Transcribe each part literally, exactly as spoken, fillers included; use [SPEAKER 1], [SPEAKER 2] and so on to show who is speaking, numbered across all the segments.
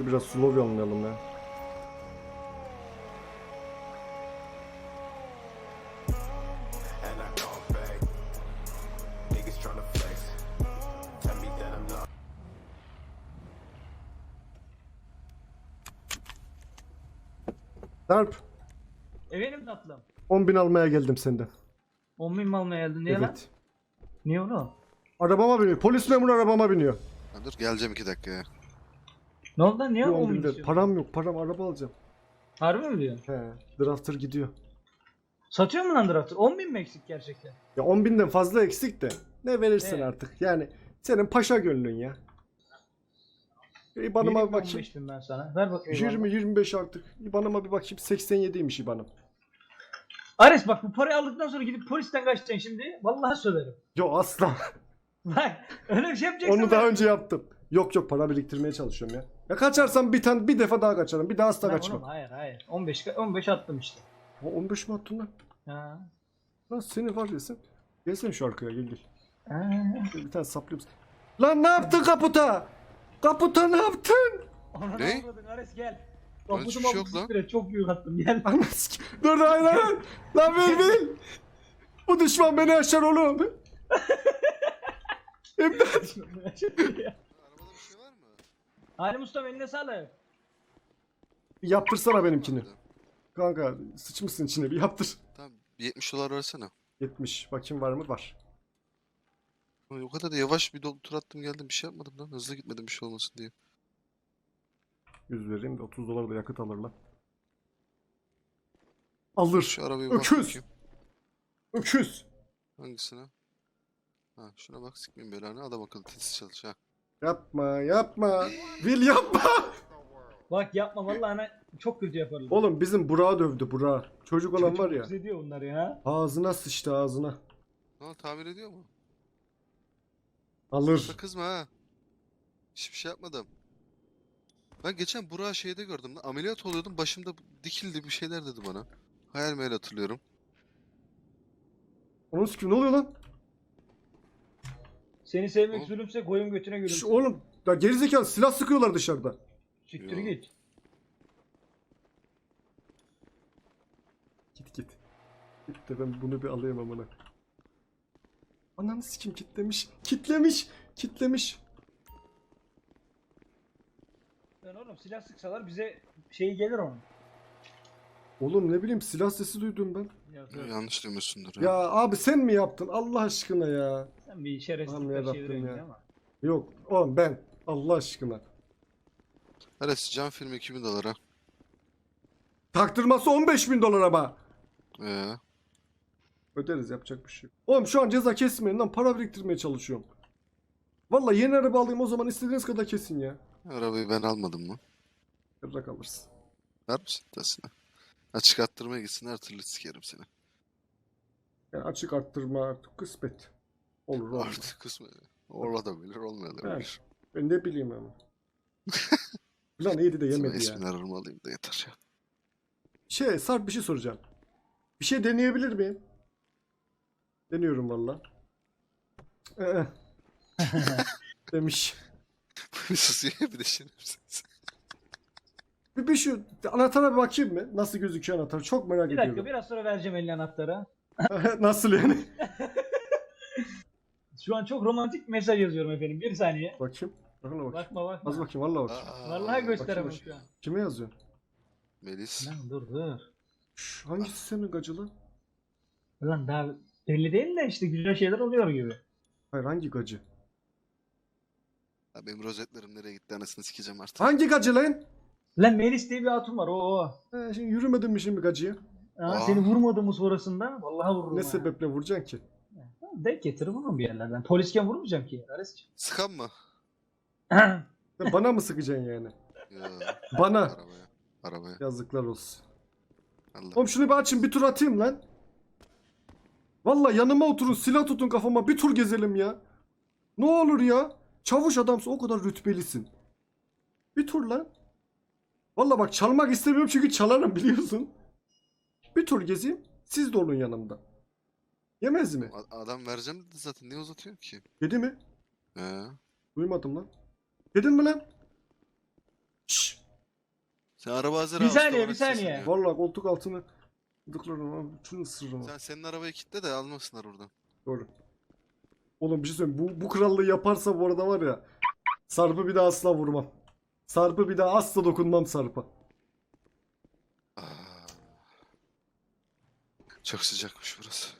[SPEAKER 1] biraz slow yanlayalım ya. Darp.
[SPEAKER 2] Efendim tatlım.
[SPEAKER 1] on bin almaya geldim senden.
[SPEAKER 2] on bin mi almaya geldin? Niye lan?
[SPEAKER 1] Evet.
[SPEAKER 2] Niye oğlum?
[SPEAKER 1] Arabama biniyor. Polis memuru arabama biniyor.
[SPEAKER 3] Ha, dur geleceğim iki dakikaya.
[SPEAKER 2] Ne oldu lan? Niye
[SPEAKER 1] Bir
[SPEAKER 2] on
[SPEAKER 1] on
[SPEAKER 2] bin
[SPEAKER 1] bin ver.
[SPEAKER 2] istiyorsun?
[SPEAKER 1] Param yok. Param araba alacağım.
[SPEAKER 2] Harbi mi diyorsun?
[SPEAKER 1] He. Drafter gidiyor.
[SPEAKER 2] Satıyor mu lan Drafter? on bin mi eksik gerçekten?
[SPEAKER 1] Ya on binden fazla eksik de. Ne verirsin
[SPEAKER 2] Evet.
[SPEAKER 1] artık. Yani senin paşa gönlün ya. İbanıma bir bakayım.
[SPEAKER 2] on beş bin ben sana. Ver bakayım.
[SPEAKER 1] yirmi yirmi beş artık. İbanıma bir bakayım. seksen yediymiş İbanım.
[SPEAKER 2] Ares bak bu parayı aldıktan sonra gidip polisten kaçacaksın şimdi. Vallahi söylerim.
[SPEAKER 1] Yo asla.
[SPEAKER 2] Bak öyle bir şey yapacaksın.
[SPEAKER 1] Onu daha önce yaptım. Yok yok para biriktirmeye çalışıyorum ya. Ya kaçarsam bir tane bir defa daha kaçarım. Bir daha asla
[SPEAKER 2] Lan
[SPEAKER 1] kaçmam.
[SPEAKER 2] oğlum, hayır hayır. on beş on beş attım işte.
[SPEAKER 1] Ha, on beş mi attın lan?
[SPEAKER 2] Ha.
[SPEAKER 1] Lan seni var ya sen. Gelsene şu arkaya gel gel.
[SPEAKER 2] Ha.
[SPEAKER 1] Şöyle bir tane saplayayım. Lan ne yaptın kaputa? Kaputa ne yaptın?
[SPEAKER 2] Ona
[SPEAKER 3] Ne?
[SPEAKER 2] avradın, Ares gel.
[SPEAKER 3] Lan hiçbir şey yok lan.
[SPEAKER 2] Çok büyük attım gel.
[SPEAKER 1] Anasını. Dur dur hayır hayır. Lan bil bil. Bu düşman beni aşar oğlum. İmdat.
[SPEAKER 3] Arabada bir şey var mı?
[SPEAKER 2] Halim Usta eline sağlık.
[SPEAKER 1] Bir yaptırsana benimkini. Kanka sıçmışsın içine bir yaptır.
[SPEAKER 3] Tamam bir yetmiş dolar versene.
[SPEAKER 1] yetmiş. Bakayım var mı? Var.
[SPEAKER 3] Ulan o kadar da yavaş bir do- tur attım geldim bir şey yapmadım lan. Hızlı gitmedim bir şey olmasın diye.
[SPEAKER 1] yüz vereyim de otuz dolar da yakıt alır lan. Alır.
[SPEAKER 3] Şu arabaya bir bak
[SPEAKER 1] Öküz.
[SPEAKER 3] bakayım.
[SPEAKER 1] Öküz.
[SPEAKER 3] Hangisine? Ha şuna bak sikmeyin belanı adam akıllı titiz çalış ha.
[SPEAKER 1] Yapma yapma. Will yapma.
[SPEAKER 2] Bak yapma vallahi ana çok kötü yaparlar.
[SPEAKER 1] Oğlum bizim Burak'ı dövdü Burak. Çocuk olan
[SPEAKER 2] Çocuk
[SPEAKER 1] var ya.
[SPEAKER 2] ediyor bunlar ya.
[SPEAKER 1] Ağzına sıçtı ağzına.
[SPEAKER 3] Ne oldu tamir ediyor mu?
[SPEAKER 1] Alır.
[SPEAKER 3] Da kızma ha. Hiçbir şey yapmadım. Ben geçen Burak'ı şeyde gördüm lan. Ameliyat oluyordum başımda dikildi bir şeyler dedi bana. Hayal meyal hatırlıyorum.
[SPEAKER 1] Onun sikim ne oluyor lan?
[SPEAKER 2] Seni sevmek
[SPEAKER 3] Oğlum.
[SPEAKER 2] zulümse koyun götüne
[SPEAKER 1] Şş,
[SPEAKER 2] gülümse.
[SPEAKER 1] oğlum ya gerizekalı silah sıkıyorlar dışarıda.
[SPEAKER 2] Siktir
[SPEAKER 3] Yo.
[SPEAKER 2] git.
[SPEAKER 1] Git git. Git de ben bunu bir alayım amına. Ananı sikim kitlemiş. Kitlemiş. Kitlemiş.
[SPEAKER 2] Lan oğlum silah sıksalar bize şey gelir onun.
[SPEAKER 1] Oğlum ne bileyim silah sesi duydum ben.
[SPEAKER 2] Yok,
[SPEAKER 3] Ya,
[SPEAKER 2] yok.
[SPEAKER 3] yanlış duymuyorsundur
[SPEAKER 1] Ya
[SPEAKER 3] ya.
[SPEAKER 1] abi sen mi yaptın Allah aşkına ya?
[SPEAKER 2] Sen bir
[SPEAKER 1] Aman
[SPEAKER 2] şerefsizlikler
[SPEAKER 1] yarabbim
[SPEAKER 2] çeviriyorsun
[SPEAKER 1] ya.
[SPEAKER 2] ama.
[SPEAKER 1] Yok oğlum ben Allah aşkına.
[SPEAKER 3] Ares cam filmi iki bin dolara.
[SPEAKER 1] Taktırması on beş bin dolar ama.
[SPEAKER 3] Ee,
[SPEAKER 1] Öderiz yapacak bir şey yok. Oğlum şu an ceza kesmeyin lan para biriktirmeye çalışıyorum. Vallahi yeni araba alayım o zaman istediğiniz kadar kesin ya.
[SPEAKER 3] arabayı ben almadım mı?
[SPEAKER 1] Kırrak alırsın.
[SPEAKER 3] Ver misin tasını? Açık attırmaya gitsin her türlü sikerim seni.
[SPEAKER 1] Yani açık arttırma artık kısmet. Olur olur.
[SPEAKER 3] Artık kısmı olabilir olmayabilir.
[SPEAKER 1] Ben ne bileyim ama. Plan iyiydi de
[SPEAKER 3] Sana
[SPEAKER 1] yemedi ya.
[SPEAKER 3] ismini ararım alayım da yeter ya.
[SPEAKER 1] Şey Sarp bir şey soracağım. Bir şey deneyebilir miyim? Deniyorum valla. Ee, demiş.
[SPEAKER 3] Bir susuyor bir de şerefsiz.
[SPEAKER 1] Bir, bir şu anahtara bir bakayım mı? Nasıl gözüküyor anahtar? Çok merak
[SPEAKER 2] Bir dakika
[SPEAKER 1] ediyorum.
[SPEAKER 2] biraz sonra vereceğim eline anahtarı.
[SPEAKER 1] Nasıl yani?
[SPEAKER 2] Şu an çok romantik mesaj yazıyorum efendim. Bir saniye.
[SPEAKER 1] Bakayım. Bakın bakayım.
[SPEAKER 2] Bakma bakma.
[SPEAKER 1] Az bakayım valla bakayım.
[SPEAKER 3] Aa,
[SPEAKER 2] Vallahi gösteremem
[SPEAKER 1] bakayım.
[SPEAKER 2] şu an.
[SPEAKER 1] Kime yazıyorsun?
[SPEAKER 3] Melis.
[SPEAKER 2] Lan dur dur.
[SPEAKER 1] Şş, hangisi senin gacılı?
[SPEAKER 2] Lan daha belli değil de işte güzel şeyler oluyor gibi.
[SPEAKER 1] Hayır hangi gacı?
[SPEAKER 3] Ya benim rozetlerim nereye gitti anasını sikeceğim artık.
[SPEAKER 1] Hangi gacı lan?
[SPEAKER 2] Lan Melis diye bir hatun var o o.
[SPEAKER 1] He, şimdi yürümedin mi şimdi gacıya?
[SPEAKER 2] Ha,
[SPEAKER 3] Aa.
[SPEAKER 2] seni vurmadı mı sonrasında? Vallahi vururum.
[SPEAKER 1] Ne
[SPEAKER 2] ha.
[SPEAKER 1] sebeple vuracaksın ki?
[SPEAKER 2] Denk getirir vururum bir yerlerden. Polisken vurmayacağım ki. Ares'ciğim.
[SPEAKER 3] Sıkan mı?
[SPEAKER 1] Sen bana mı sıkacaksın yani?
[SPEAKER 3] Ya,
[SPEAKER 1] Bana.
[SPEAKER 3] arabaya. Arabaya.
[SPEAKER 1] Yazıklar olsun.
[SPEAKER 3] Allah.
[SPEAKER 1] Oğlum şunu bir açın bir tur atayım lan. Vallahi yanıma oturun silah tutun kafama bir tur gezelim ya. Ne olur ya. Çavuş adamsın o kadar rütbelisin. Bir tur lan. Vallahi bak çalmak istemiyorum çünkü çalarım biliyorsun. Bir tur gezeyim. Siz de olun yanımda. Yemez mi?
[SPEAKER 3] A- adam vereceğim dedi zaten niye uzatıyor ki?
[SPEAKER 1] Yedi mi?
[SPEAKER 3] He.
[SPEAKER 1] Duymadım lan. Yedin mi lan? Şşş.
[SPEAKER 3] Sen araba hazır
[SPEAKER 2] Bir
[SPEAKER 3] ha, usta
[SPEAKER 2] saniye,
[SPEAKER 3] olarak
[SPEAKER 2] bir saniye.
[SPEAKER 3] sesleniyor.
[SPEAKER 1] Vallahi koltuk altını gıdıklarım abi. Şunu ısırırım.
[SPEAKER 3] Sen senin arabayı kilitle de almasınlar oradan.
[SPEAKER 1] Doğru. Oğlum bir şey söyleyeyim. Bu, bu krallığı yaparsa bu arada var ya. Sarp'ı bir daha asla vurmam. Sarp'ı bir daha asla dokunmam Sarp'a.
[SPEAKER 3] Aa. Çok sıcakmış burası.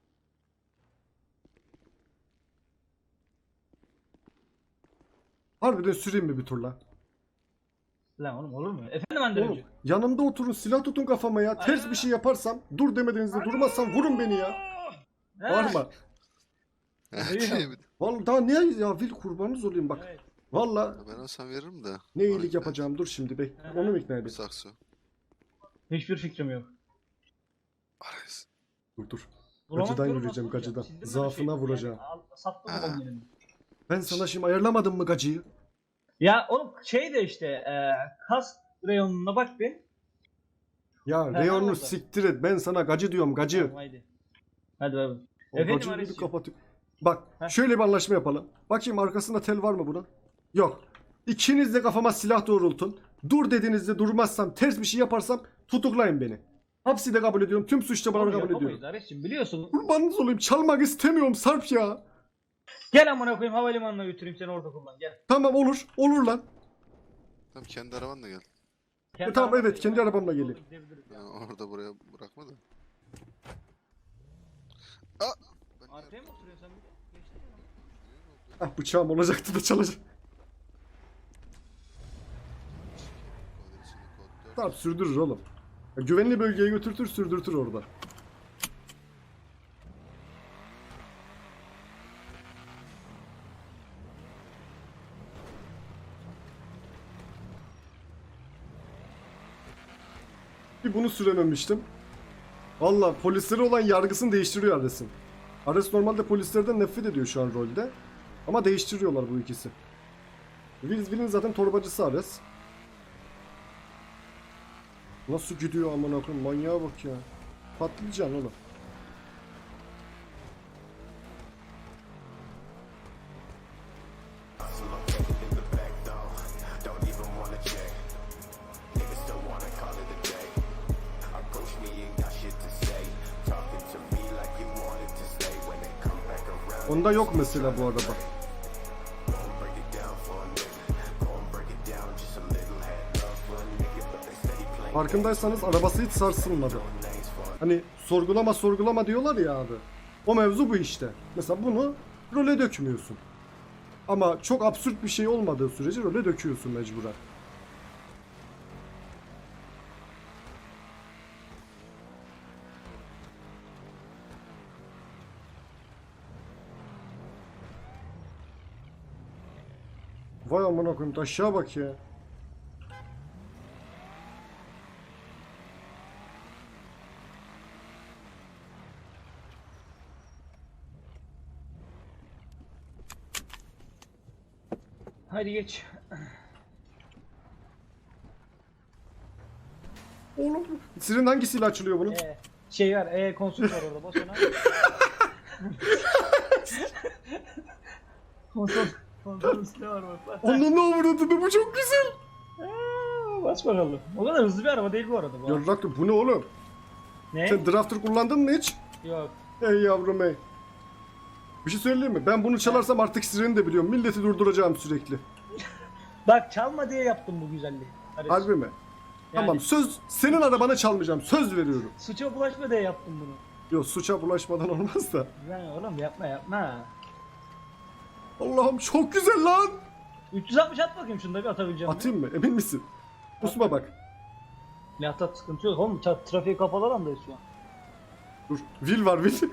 [SPEAKER 1] Harbiden süreyim mi bir tur lan?
[SPEAKER 2] Lan oğlum olur mu? Efendim Hande
[SPEAKER 1] Oğlum
[SPEAKER 2] Öncü?
[SPEAKER 1] yanımda oturun, silah tutun kafama ya. Ters bir şey yaparsam, dur demediğinizde durmazsam vurun beni ya. Var mı?
[SPEAKER 2] Duyuyorum.
[SPEAKER 1] Vallahi daha ne ya, Vil kurbanınız olayım bak.
[SPEAKER 2] Evet.
[SPEAKER 1] Vallahi
[SPEAKER 3] Ben olsam veririm de.
[SPEAKER 1] ne
[SPEAKER 3] Bana
[SPEAKER 1] iyilik
[SPEAKER 3] ikna
[SPEAKER 1] yapacağım, dur şimdi bek.
[SPEAKER 2] Aha.
[SPEAKER 1] Onu mu ikna
[SPEAKER 3] et.
[SPEAKER 1] edeyim?
[SPEAKER 3] Sakso.
[SPEAKER 2] Hiçbir fikrim yok.
[SPEAKER 3] Ares.
[SPEAKER 1] Dur dur.
[SPEAKER 2] Bulamak
[SPEAKER 1] Gacıdan
[SPEAKER 2] diyorum,
[SPEAKER 1] yürüyeceğim,
[SPEAKER 2] nasıl bulacağım?
[SPEAKER 1] gacıdan.
[SPEAKER 2] Sildim ben
[SPEAKER 1] Zaafına
[SPEAKER 2] şeyi.
[SPEAKER 1] vuracağım.
[SPEAKER 2] Yani al- sattım
[SPEAKER 3] Ha.
[SPEAKER 2] babam benim.
[SPEAKER 1] Ben sana şimdi ayarlamadım mı gacıyı?
[SPEAKER 2] Ya oğlum şey de işte e, kas reyonuna bak bir.
[SPEAKER 1] Ya
[SPEAKER 2] Ha,
[SPEAKER 1] reyonu
[SPEAKER 2] orada.
[SPEAKER 1] siktir et, ben sana gacı diyorum, gacı.
[SPEAKER 2] Tamam, haydi. Hadi bakalım.
[SPEAKER 1] O
[SPEAKER 2] Efendim
[SPEAKER 1] gacıyı bir
[SPEAKER 2] Ares'ciğim?
[SPEAKER 1] kapatayım. Bak
[SPEAKER 2] Heh.
[SPEAKER 1] şöyle bir anlaşma yapalım. Bakayım arkasında tel var mı bunun? Yok. İkiniz de kafama silah doğrultun. Dur dediğinizde durmazsam, ters bir şey yaparsam tutuklayın beni. Hapsi de kabul ediyorum. Tüm suçlamaları
[SPEAKER 2] Oğlum
[SPEAKER 1] kabul
[SPEAKER 2] yapamayız
[SPEAKER 1] ediyorum.
[SPEAKER 2] Ares'cim, biliyorsun.
[SPEAKER 1] Kurbanınız olayım. Çalmak istemiyorum Sarp ya.
[SPEAKER 2] Gel amına koyayım, havalimanına götüreyim seni, orada kullan gel.
[SPEAKER 1] Tamam olur. Olur lan.
[SPEAKER 3] Tamam kendi arabanla gel.
[SPEAKER 2] Kendi
[SPEAKER 1] tamam,
[SPEAKER 2] arabamla
[SPEAKER 1] evet, kendi
[SPEAKER 2] gel.
[SPEAKER 1] arabamla geleyim.
[SPEAKER 2] Gidebiliriz ya.
[SPEAKER 3] Yani orada buraya bırakma da. Aa! Ben niye
[SPEAKER 2] Arkaya mı oturuyorsun sen? bir de? Geçtin mi?
[SPEAKER 1] Ah, bıçağım olacaktı da çalacak. Sarp sürdürür oğlum. Ya, güvenli bölgeye götürtür, sürdürtür orada. Bir bunu sürememiştim. Valla polislere olan yargısını değiştiriyor Ares'in. Ares normalde polislerden nefret ediyor şu an rolde. Ama değiştiriyorlar bu ikisi. Will, Will'in zaten torbacısı Ares. Nasıl gidiyor amına koyayım, manyağa bak ya. Patlayacaksın oğlum. Onda yok mesela bu araba. Farkındaysanız arabası hiç sarsılmadı. Hani sorgulama sorgulama diyorlar ya abi. O mevzu bu işte. Mesela bunu role dökmüyorsun. Ama çok absürt bir şey olmadığı sürece role döküyorsun mecburen. Vay amına koyayım, aşağı bak ya.
[SPEAKER 2] Hadi geç.
[SPEAKER 1] Oğlum siren hangisiyle açılıyor bunun?
[SPEAKER 2] Ee, şey var, e konsol var orada, bas ona. konsol, konsolun üstüne var bak. bak.
[SPEAKER 1] Onun ne uğradığını, bu çok güzel.
[SPEAKER 2] Aa, bas bakalım. O kadar hızlı bir araba değil bu arada bu.
[SPEAKER 1] Yarrak bu ne oğlum?
[SPEAKER 2] Ne?
[SPEAKER 1] Sen drafter kullandın mı hiç?
[SPEAKER 2] Yok.
[SPEAKER 1] Ey yavrum ey. Bir şey söyleyeyim mi? Ben bunu çalarsam artık sireni de biliyorum. Milleti durduracağım sürekli.
[SPEAKER 2] Bak, çalma diye yaptım bu güzelliği. Ares.
[SPEAKER 1] Harbi mi?
[SPEAKER 2] Yani
[SPEAKER 1] Tamam, söz, senin arabanı çalmayacağım. Söz veriyorum.
[SPEAKER 2] Suça bulaşma diye yaptım bunu.
[SPEAKER 1] Yok, suça bulaşmadan olmaz da.
[SPEAKER 2] Lan oğlum yapma yapma.
[SPEAKER 1] Allah'ım çok güzel lan.
[SPEAKER 2] üç yüz altmış at bakayım, şunu da bir atabileceğim.
[SPEAKER 1] Atayım mı? Emin misin? Usma bak.
[SPEAKER 2] Ne atat, sıkıntı yok oğlum. Ta trafiğe kapalı alandayız şu an.
[SPEAKER 1] Dur. Will var Will.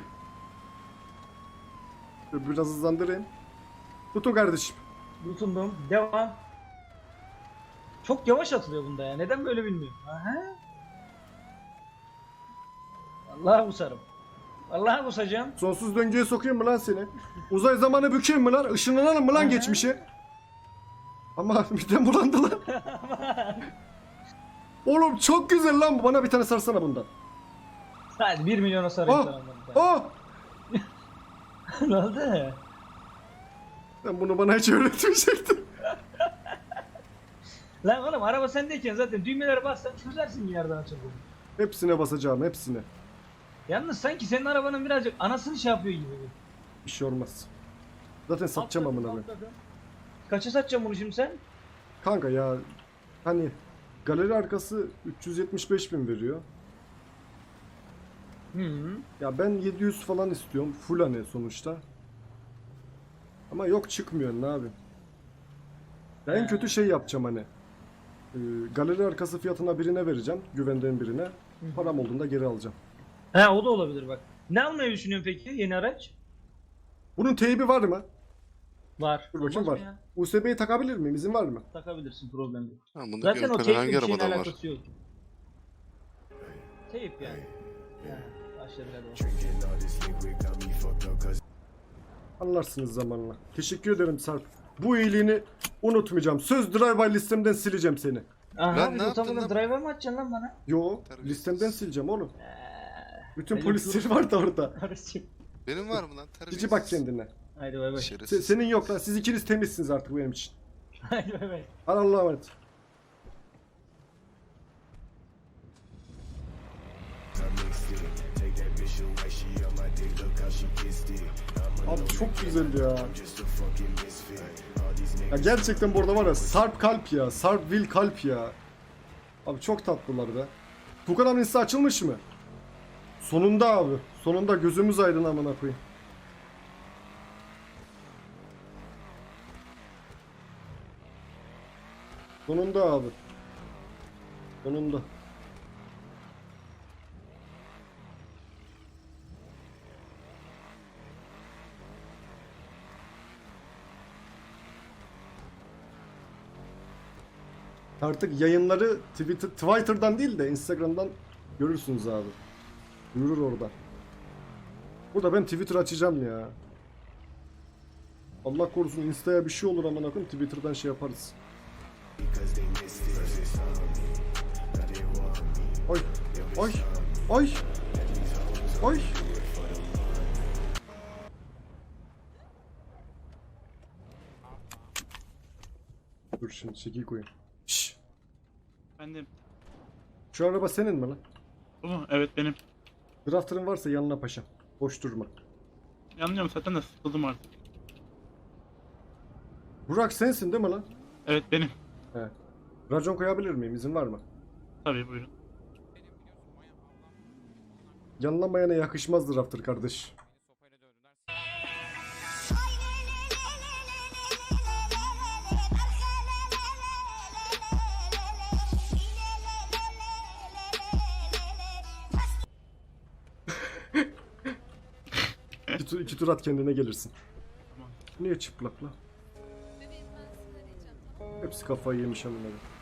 [SPEAKER 1] Dur, biraz hızlandırayım. Tutun kardeşim.
[SPEAKER 2] Tutundum. Devam. Çok yavaş atılıyor bunda ya. Neden böyle bilmiyorum. Aha. Vallahi kusarım. Vallahi kusacağım.
[SPEAKER 1] Sonsuz döngüye sokayım mı lan seni? Uzay zamanı bükeyim mi lan? Işınlanalım mı lan
[SPEAKER 2] Aha.
[SPEAKER 1] geçmişe? Ama midem bulandı lan. Oğlum çok güzel lan bu. Bana bir tane sarsana bundan.
[SPEAKER 2] Hadi bir milyona sarayım
[SPEAKER 1] Ah!
[SPEAKER 2] sana bundan.
[SPEAKER 1] Aa!
[SPEAKER 2] Ne oldu?
[SPEAKER 1] Sen bunu bana hiç öğretmeyecektin.
[SPEAKER 2] Lan oğlum araba sendeyken zaten düğmelere bassan çözersin bir yerden açıldığını.
[SPEAKER 1] Hepsine basacağım, hepsine.
[SPEAKER 2] Yalnız sanki senin arabanın birazcık anasını şey yapıyor gibi.
[SPEAKER 1] Bir şey olmaz. Zaten satacağım
[SPEAKER 2] Atladım,
[SPEAKER 1] amına koyayım.
[SPEAKER 2] atladım. Kaça satacaksın bunu şimdi sen?
[SPEAKER 1] Kanka ya hani galeri arkası üç yüz yetmiş beş bin veriyor.
[SPEAKER 2] Hı hı.
[SPEAKER 1] Ya ben yedi yüz falan istiyorum. Full hani sonuçta. Ama yok çıkmıyor ne abi. Ya en
[SPEAKER 2] He.
[SPEAKER 1] kötü şey yapacağım hani. Ee, galeri arkası fiyatına birine vereceğim. Güvendiğim birine.
[SPEAKER 2] hı.
[SPEAKER 1] Param olduğunda geri alacağım.
[SPEAKER 2] He o da olabilir bak. Ne almayı düşünüyorsun peki yeni araç?
[SPEAKER 1] Bunun teybi var mı?
[SPEAKER 2] Var.
[SPEAKER 1] Dur bakayım
[SPEAKER 2] Olmaz mı
[SPEAKER 1] var.
[SPEAKER 2] ya?
[SPEAKER 1] U S B'yi takabilir miyim? İzin var mı?
[SPEAKER 2] Takabilirsin, problem yok.
[SPEAKER 3] Ha, bunu
[SPEAKER 2] Zaten o
[SPEAKER 3] Zaten
[SPEAKER 2] teyple
[SPEAKER 3] hangi
[SPEAKER 2] bir şeyin
[SPEAKER 3] arabadan var?
[SPEAKER 2] alakası yok. Teyp yani. Ha, başladı hadi.
[SPEAKER 1] Anlarsınız zamanla. Teşekkür ederim Sarp. Bu iyiliğini unutmayacağım. Söz drive-by listemden sileceğim seni.
[SPEAKER 2] Aha
[SPEAKER 3] Lan
[SPEAKER 2] bir
[SPEAKER 3] ne
[SPEAKER 2] de
[SPEAKER 3] yaptın
[SPEAKER 2] otomobil
[SPEAKER 3] lan?
[SPEAKER 2] driver mı açacaksın lan bana?
[SPEAKER 1] Yo,
[SPEAKER 3] Terbiyesiz.
[SPEAKER 1] listemden sileceğim oğlum.
[SPEAKER 2] Eee,
[SPEAKER 1] Bütün
[SPEAKER 2] ben
[SPEAKER 1] polisler
[SPEAKER 2] yapıyorum.
[SPEAKER 1] var da orada.
[SPEAKER 2] Kardeşim.
[SPEAKER 3] Benim var mı lan? Terbiyesiz.
[SPEAKER 1] Cici bak kendine.
[SPEAKER 2] Haydi bay bay.
[SPEAKER 1] Se-
[SPEAKER 3] Şerefsiz.
[SPEAKER 1] senin yok lan. Siz ikiniz temizsiniz artık benim için.
[SPEAKER 2] Haydi bay bay.
[SPEAKER 1] Hadi Allah'a emanet. Abi çok güzel ya. Ya gerçekten bu arada var ya Sarp kalp ya. Sarp Will kalp ya. Abi çok tatlılar be. Tukan abinin sitesi açılmış mı? Sonunda abi. Sonunda gözümüz aydın amına koyayım. Sonunda abi. Sonunda. Artık yayınları Twitter, Twitter'dan değil de Instagram'dan görürsünüz abi. Yürür orada. Burada ben Twitter açacağım ya. Allah korusun Insta'ya bir şey olur amına koyayım Twitter'dan şey yaparız. Ay ay ay ay. Dur şimdi çekil koyayım. Şşş.
[SPEAKER 4] Efendim.
[SPEAKER 1] Şu araba senin mi lan?
[SPEAKER 4] Bu mu? Evet benim.
[SPEAKER 1] Drafter'ın varsa yanına paşam. Boş durma.
[SPEAKER 4] Yanlıyorum zaten de sıkıldım artık.
[SPEAKER 1] Burak sensin değil mi lan?
[SPEAKER 4] Evet benim.
[SPEAKER 1] He. Racon koyabilir miyim? İzin var mı?
[SPEAKER 4] Tabii buyurun.
[SPEAKER 1] Yanlamayana yakışmaz Drafter kardeş. iki, tur, iki tur at kendine gelirsin.
[SPEAKER 4] Tamam.
[SPEAKER 1] Niye çıplak lan?
[SPEAKER 5] Bebeğim ben seni arayacağım, tamam mı?
[SPEAKER 1] Hepsi kafayı yemiş amına.